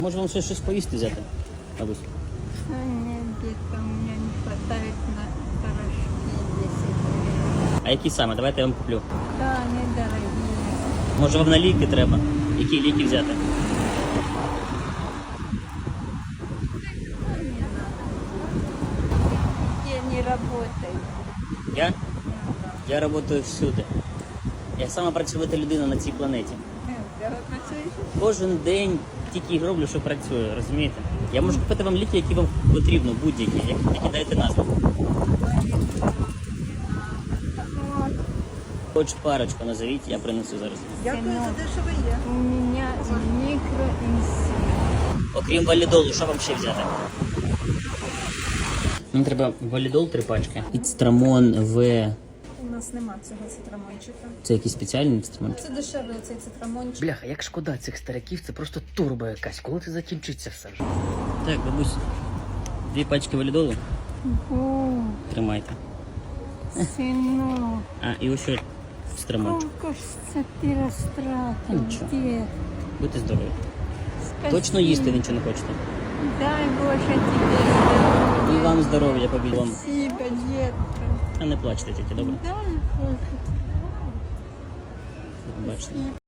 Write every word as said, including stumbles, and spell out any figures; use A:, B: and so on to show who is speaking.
A: Може вам ще щось поїсти взяти, бабусь?
B: Нет, детка, у меня не хватает на порошки десять.
A: А які саме? Давайте я вам куплю.
B: Да, они дорогие.
A: Може вам на ліки треба? Які ліки взяти?
B: Я не работаю.
A: Я? Я працюю всюди. Я сама працювата людина на цій планеті.
B: Да, вы працюєте?
A: Кожен день тільки й роблю, що працюю, розумієте? Я можу купити вам ліки, які вам потрібно, будь-які, які, які даєте назву.
B: Вот.
A: Хоч парочку назовіть, я принесу зараз.
B: Дякую за те, що ви є. У меня микроинсульт.
A: Окрім валідолу, що вам ще взяти? Мені треба валідол три пачки. Ацетрамон В.
C: У нас нема цього цитрамончика.
A: Це якийсь спеціальний ацетрамон?
C: Це дешевий цей цитрамончик.
A: Бляха, як шкода цих стариків, це просто турбо якась. Коли це закінчиться все вже? Так, бабусь, дві пачки валідолу.
B: О,
A: Тримайте.
B: сынок,
A: А, і ось ще ацетрамон.
B: сколько ж це ти розтратив,
A: Нічого.
B: дед?
A: Будьте здорові.
B: Спасибо.
A: Точно їсти ви нічого не хочете?
B: Дай Боже тебе здоров'я.
A: І вам здоров'я, побіг вам.
B: Спасибо, детка.
A: А не плачте тільки, добре?
B: Дай Боже.
A: Бачите.